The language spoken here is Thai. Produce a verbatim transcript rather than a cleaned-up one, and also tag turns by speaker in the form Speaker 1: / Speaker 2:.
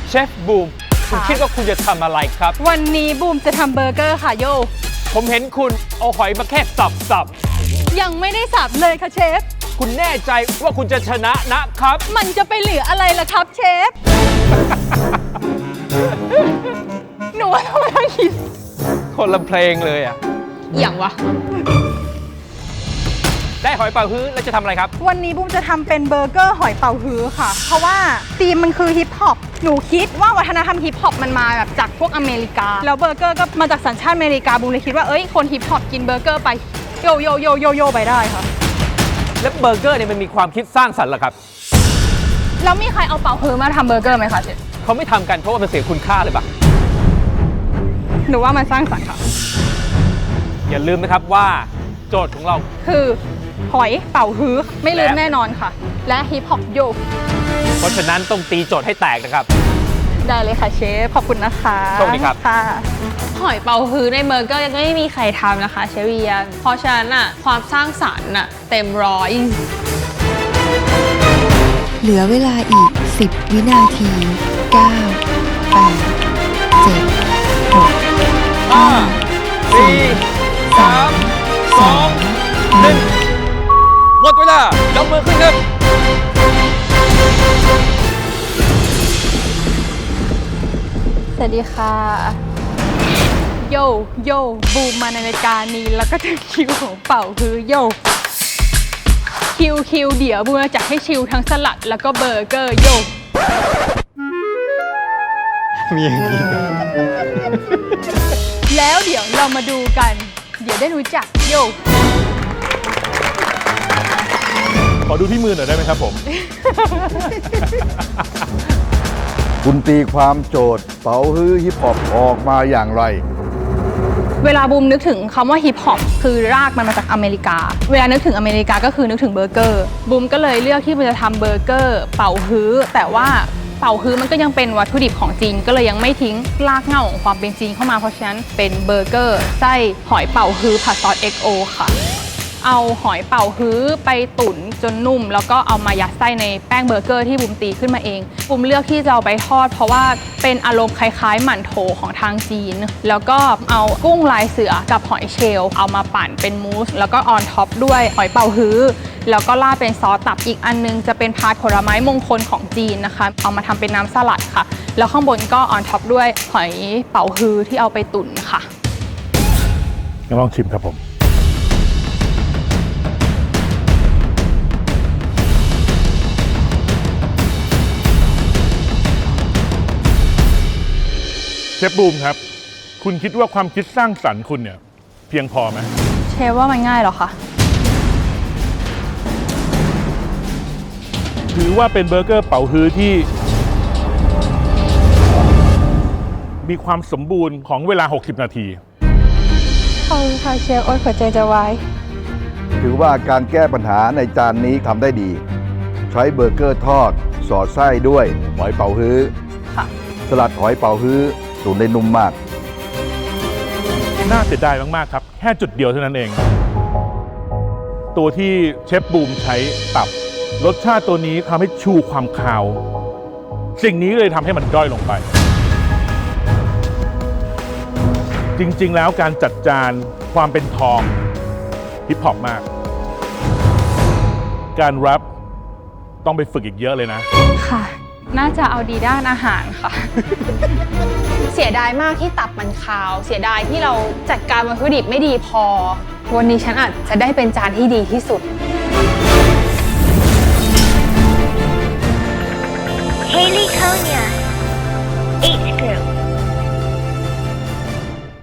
Speaker 1: เชฟบูมคุณคิดว่าคุณจะทำอะไรครับ
Speaker 2: วันนี้บูมจะทำเบอร์เกอร์ค่ะโย
Speaker 1: ผมเห็นคุณเอาหอยมาแค่สับสับ
Speaker 2: ยังไม่ได้สับเลยค่ะเชฟ
Speaker 1: คุณแน่ใจว่าคุณจะชนะนะครับ
Speaker 2: มันจะไปเหลืออะไรล่ะครับเชฟ หนูว่าทำไมต้องคิด
Speaker 1: คนละเพลงเลยอ่ะ
Speaker 2: อย่างวะ
Speaker 1: ได้หอยเป่าฮื้อแล้วจะทำอะไรครับ
Speaker 2: วันนี้บูมจะทำเป็นเบอร์เกอร์หอยเป่าฮื้อค่ะเพราะว่าธีมมันคือฮิปฮอปหนูคิดว่าวัฒนธรรมฮิปฮอปมันมาแบบจากพวกอเมริกาแล้วเบอร์เกอร์ก็มาจากสัญชาติอเมริกาบูมเลยคิดว่าเอ้ยคนฮิปฮอปกินเบอร์เกอร์ไปโยโยโยโยโยไปได้ค่ะ
Speaker 1: แล้วเบอร์เกอร์เนี่ยมันมีความคิดสร้างสรรค์เหรอครับ
Speaker 2: แล้วมีใครเอาเป่าฮื้อมาทำเบอร์เกอร์ไหมคะเชฟ
Speaker 1: เขาไม่ทำกันเพราะว่ามันเสียคุณค่าเลยปะ
Speaker 2: หนูว่ามันสร้างสรรค์ค่ะ
Speaker 1: อย่าลืมนะครับว่าโจทย์ของเรา
Speaker 2: คือหอยเป่าฮื้อไม่ลืมแน่นอนค่ะและฮิปฮอปโย
Speaker 1: เพราะฉะนั้นต้องตีโจทย์ให้แตกนะครับ
Speaker 2: ได้เลยค่ะเชฟขอบคุณนะคะ
Speaker 1: โชคดีครับ
Speaker 2: ค่ะ
Speaker 3: หอยเป่าฮื้อในเบอร์เกอร์ยังไม่มีใครทำนะคะเชฟเวียนเพราะฉะนั้นอะความสร้างสรรค์อะเต็มร้อย
Speaker 4: เหลือเวลาอีกสิบวินาทีเก้า แปด เจ็ด หก
Speaker 1: ห้า สี่ สาม สอง หนึ่งหมดเวลายกมือขึ้นครับ
Speaker 2: สวัสดีค่ะโยโยบูมมาในรายการนี้แล้วก็ถึงคิวของเป่าฮื้อโยคิวคิวเดี๋ยวบูมจะจัดให้ชิวทั้งสลัดแล้วก็เบอร์เกอร์โย
Speaker 1: มีอย่างนี้
Speaker 2: แล้วเดี๋ยวเรามาดูกันเดี๋ยวได้รู้จักโย
Speaker 5: ขอดูที่มือหน่อยได้ไหมครับผม
Speaker 6: คุณตีความโจทย์เป๋าฮื้อฮิปฮอปออกมาอย่างไร
Speaker 2: เวลาบูมนึกถึงคำว่าฮิปฮอปคือรากมันมาจากอเมริกาเวลานึกถึงอเมริกาก็คือนึกถึงเบอร์เกอร์บูมก็เลยเลือกที่จะทำเบอร์เกอร์เป่าฮื้อแต่ว่าเป่าฮื้อมันก็ยังเป็นวัตถุดิบของจีนก็เลยยังไม่ทิ้งรากเหง้าของความเป็นจีนเข้ามาเพราะฉะนั้นเป็นเบอร์เกอร์ไส้หอยเป่าฮื้อผัดซอส เอ็กซ์ โอ ค่ะเอาหอยเป่าฮื้อไปตุ๋นจนนุ่มแล้วก็เอามายัดไส้ในแป้งเบอร์เกอร์ที่บุมตีขึ้นมาเองบุมเลือกที่จะเอาไปทอดเพราะว่าเป็นอารมณ์คล้ายๆหมั่นโถของทางจีนแล้วก็เอากุ้งลายเสือกับหอยเชลล์เอามาปั่นเป็นมูสแล้วก็ออนท็อปด้วยหอยเป่าฮื้อแล้วก็ราดเป็นซอสตับอีกอันนึงจะเป็นพาร์ทผลไม้มงคลของจีนนะคะเอามาทำเป็นน้ำสลัดค่ะแล้วข้างบนก็ออนท็อปด้วยหอยเป่าฮื้อที่เอาไปตุ๋นค่ะ
Speaker 5: ลองชิมครับผมเชฟบูมครับคุณคิดว่าความคิดสร้างสรรค์คุณเนี่ยเพียงพอไหม
Speaker 2: เชฟว่ามันง่ายหรอคะ
Speaker 5: ถือว่าเป็นเบอร์เกอร์เป๋าฮื้อที่มีความสมบูรณ์ของเวลาหกสิบนาที
Speaker 2: ขอบคุณค่ะเชฟโอ๊ยหัวใจจะวาย
Speaker 6: ถือว่าการแก้ปัญหาในจานนี้ทำได้ดีใช้เบอร์เกอร์ทอดสอดไส้ด้วยหอยเป๋าฮื้อสลัดหอยเป๋าฮื้อตุ๋นได้นุ่มมาก
Speaker 5: น่าเสียดายมากๆครับแค่จุดเดียวเท่านั้นเองตัวที่เชฟบูมใช้ตับรสชาติตัวนี้ทำให้ชูความคาวสิ่งนี้เลยทำให้มันด้อยลงไปจริงๆแล้วการจัดจานความเป็นทองฮิปฮอปมากการแรปต้องไปฝึกอีกเยอะเลยนะ
Speaker 2: ค่ะน่าจะเอาดีด้านอาหารค่ะ
Speaker 3: เสียดายมากที่ตับมันคาวเสียดายที่เราจัดการวัตถุดิบไม่ดีพอวันนี้ฉันอาจจะได้เป็นจานที่ดีที่สุด
Speaker 7: Haley Konya